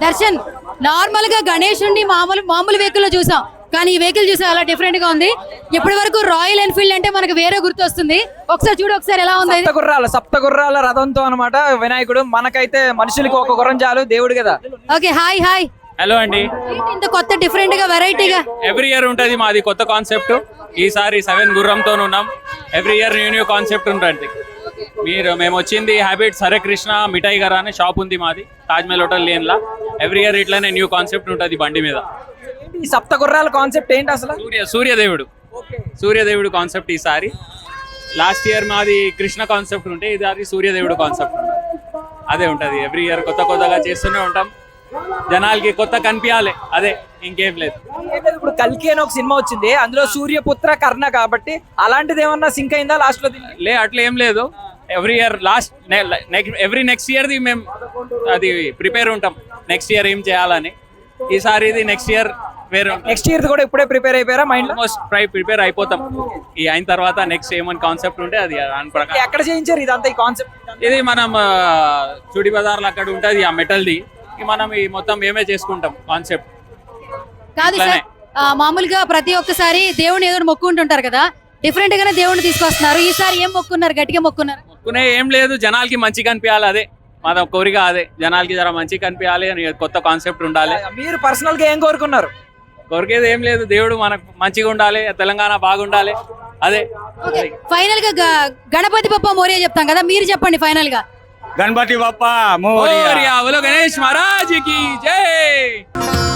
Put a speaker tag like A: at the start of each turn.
A: Darshan normal గా గణేశుడిని మామూలు vehicle లో చూసాం, కానీ ఈ వెహికల్ చూసా అలా డిఫరెంట్ గా ఉంది. ఇప్పటి వరకు రాయల్ ఎన్ఫీల్డ్ అంటే మనకు వేరే గుర్తు వస్తుంది. ఒకసారి చూడు, ఒకసారి ఎలా ఉంది.
B: సప్త గుర్రాల రథంతో అన్నమాట వినాయకుడు. మనకైతే మనుషులకి ఒక గుర్రం చాలు, దేవుడు కదా.
A: Okay, hi hi.
C: హలో అండి.
A: ఇంత కొత్త డిఫరెంట్ గా వెరైటీగా
C: ఎవ్రీ ఇయర్ ఉంటది మాది కొత్త కాన్సెప్ట్. ఈసారి 7 గుర్రంతో ఉన్నాం. ఎవ్రీ ఇయర్ న్యూ కాన్సెప్ట్ ఉంటుంది. మేము వచ్చింది హ్యాబిట్స్ హరే కృష్ణ మిఠాయి గారు అనే షాప్ ఉంది మాది తాజ్మహల్ హోటల్ లేన్ లా. ఎవ్రీ ఇయర్ ఇట్లానే న్యూ కాన్సెప్ట్ ఉంటుంది బండి మీద.
B: ఈ సప్త గుర్రాల కాన్సెప్ట్ ఏంటి అసలు?
C: సూర్యదేవుడు కాన్సెప్ట్ ఈసారి. లాస్ట్ ఇయర్ మాది కృష్ణ కాన్సెప్ట్ ఉంటే ఇది సూర్యదేవుడు కాన్సెప్ట్. అదే ఉంటది. ఎవ్రీ ఇయర్ కొత్తగా చేస్తూనే ఉంటాం. జనాలకి కొత్త కనిపించాలి, అదే, ఇంకేం లేదు.
B: ఇప్పుడు కల్కి అని ఒక సినిమా వచ్చింది, అందులో సూర్యపుత్ర కర్ణ కాబట్టి అలాంటిది ఏమన్నా సింక్ అయిందా లాస్ట్ లో?
C: అట్లా ఏం లేదు. ఎవ్రీ ఇయర్ నెక్స్ట్ ఇయర్ ది మేము అది ప్రిపేర్ ఉంటాం, నెక్స్ట్ ఇయర్ ఏం చేయాలని. ఈసారి ఇది నెక్స్ట్ ఇయర్ వేరే.
B: నెక్స్ట్ ఇయర్ కూడా ఇప్పుడే ప్రిపేర్ అయిపోయారా మైండ్?
C: ఆల్మోస్ట్ ప్రిపేర్ అయిపోతాం. ఈ అయిన తర్వాత నెక్స్ట్ ఏమని కాన్సెప్ట్ ఉంటే అది దాని ప్రకారం.
B: ఎక్కడ చేయించారు ఇదంతా ఈ కాన్సెప్ట్?
C: ఇది మనం చుడి బజార్లో అక్కడ ఉంటది ఆ మెటల్ది. మనం ఈ మొత్తం మేమే చేసుకుంటాం కాన్సెప్ట్.
A: కాదు సార్, మామూలుగా ప్రతి ఒక్కసారి దేవుని ఏదో మొక్కుంటుంటారు కదా, డిఫరెంట్ గానే దేవుని తీసుకొస్తున్నారు. ఈసారి ఏం మొక్కున్నారు? గట్టిగా మొక్కున్నారు?
C: మొక్కునే ఏం లేదు, జనాలకి మంచి కనిపించాలి, అదే మన కోరిక. అదే జనాలకి జర మంచి కనిపించాలి అని కొత్త కాన్సెప్ట్ ఉండాలి.
B: మీరు పర్సనల్ గా ఏం కోరుకున్నారు?
C: కోరికేది ఏం లేదు, దేవుడు మనకు మంచిగా ఉండాలి, తెలంగాణ బాగుండాలి, అదే.
A: ఫైనల్ గా గణపతి బప్ప మోరియా చెప్తాం కదా, మీరు చెప్పండి ఫైనల్ గా.
D: గణపతి బప్పా మోరియా.
C: గణేష్ మహారాజ్ కి జై.